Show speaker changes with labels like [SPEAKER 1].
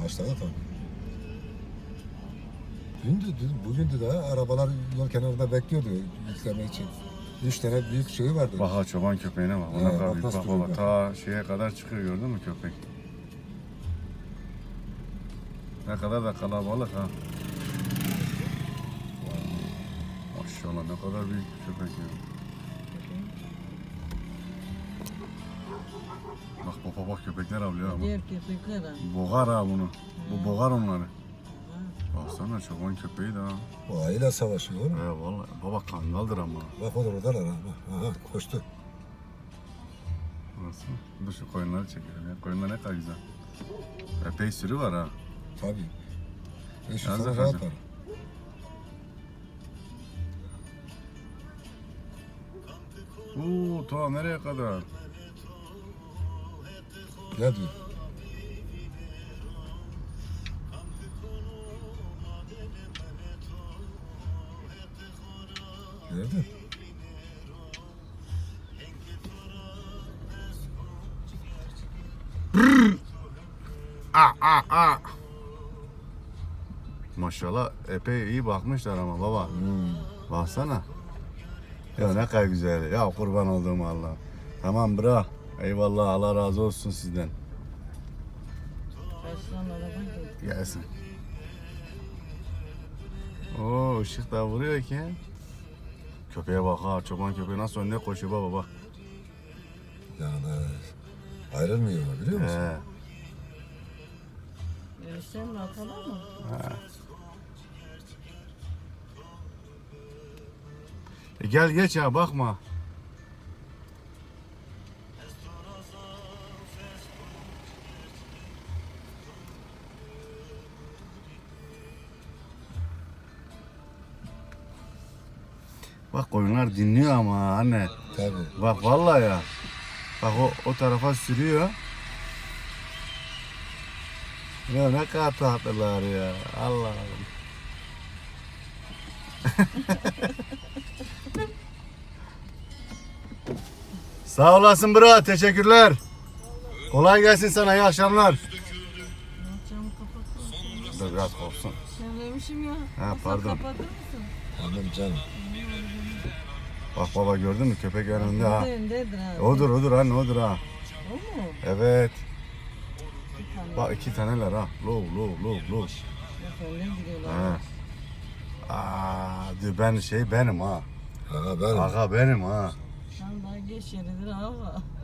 [SPEAKER 1] Başladı tabii. Bugün de arabalar yol kenarında bekliyordu yükleme için. 3 tane büyük şey vardı.
[SPEAKER 2] Bak çoban köpeğine bak. Ona kadar büyük.
[SPEAKER 1] nasıl
[SPEAKER 2] Bak
[SPEAKER 1] duruyor
[SPEAKER 2] baba ta şeye kadar çıkıyor, gördün mü köpek? Ne kadar da kalabalık ha. Maşallah ne kadar büyük bir köpek ya. Bak köpekler avlıyor ama.
[SPEAKER 3] Diğer köpekler ha.
[SPEAKER 2] Boğar ha bunu. Bu boğar onları. Baksana çoban köpeği de ha.
[SPEAKER 1] Bu ayıyla savaşıyor.
[SPEAKER 2] Vallahi baba kangaldır ama.
[SPEAKER 1] Bak o da oradalar ha. Aha koştu.
[SPEAKER 2] Nasıl? Dur şu koyunları çekelim ya. Koyunlar ne kadar güzel. Epey sürü var ha.
[SPEAKER 1] Tabii. Şu
[SPEAKER 2] Yalnız
[SPEAKER 1] sana
[SPEAKER 2] efendim.
[SPEAKER 1] rahat var.
[SPEAKER 2] Ta nereye kadar?
[SPEAKER 1] Gel diyor. Gördün?
[SPEAKER 2] Maşallah epey iyi bakmışlar ama baba. Baksana. Ya ne kadar güzel. Ya kurban olduğum Allah. Tamam bırak. Eyvallah, Allah razı olsun sizden.
[SPEAKER 3] Kaçtan araba geldi.
[SPEAKER 2] Gelsin. Oo ışık da vuruyor ki. Köpeğe bak ha, çoban köpeği nasıl önüne koşuyor baba bak.
[SPEAKER 1] Yani ayrılmıyor biliyor musun?
[SPEAKER 3] Sen atalar mı?
[SPEAKER 2] Gel geç ya, bakma. Bak koyunlar dinliyor ama anne.
[SPEAKER 1] Tabii.
[SPEAKER 2] Bak vallahi ya. Bak o tarafa sürüyor. Ya ne kadar tatlılar ya. Allah'ım. Sağ olasın bro. Teşekkürler. Kolay gelsin sana. İyi akşamlar.
[SPEAKER 3] Camı kapat.
[SPEAKER 2] Dur biraz kopsun.
[SPEAKER 3] Söylemişim ya.
[SPEAKER 2] Ha, pardon.
[SPEAKER 3] Kapatır mısın?
[SPEAKER 1] Tamam canım.
[SPEAKER 2] Bak baba, gördün mü köpek önünde ha.
[SPEAKER 3] Öndedir ha.
[SPEAKER 2] Odur anne, odur ha.
[SPEAKER 3] O mu?
[SPEAKER 2] Evet.
[SPEAKER 3] Bir tane.
[SPEAKER 2] Bak iki taneler ha. Low.
[SPEAKER 3] Efendim gidiyorlar.
[SPEAKER 2] Ha. Diyor ben benim ha.
[SPEAKER 1] Ha ben.
[SPEAKER 2] Aga benim ha.
[SPEAKER 3] Sen daha geç yeridir ha.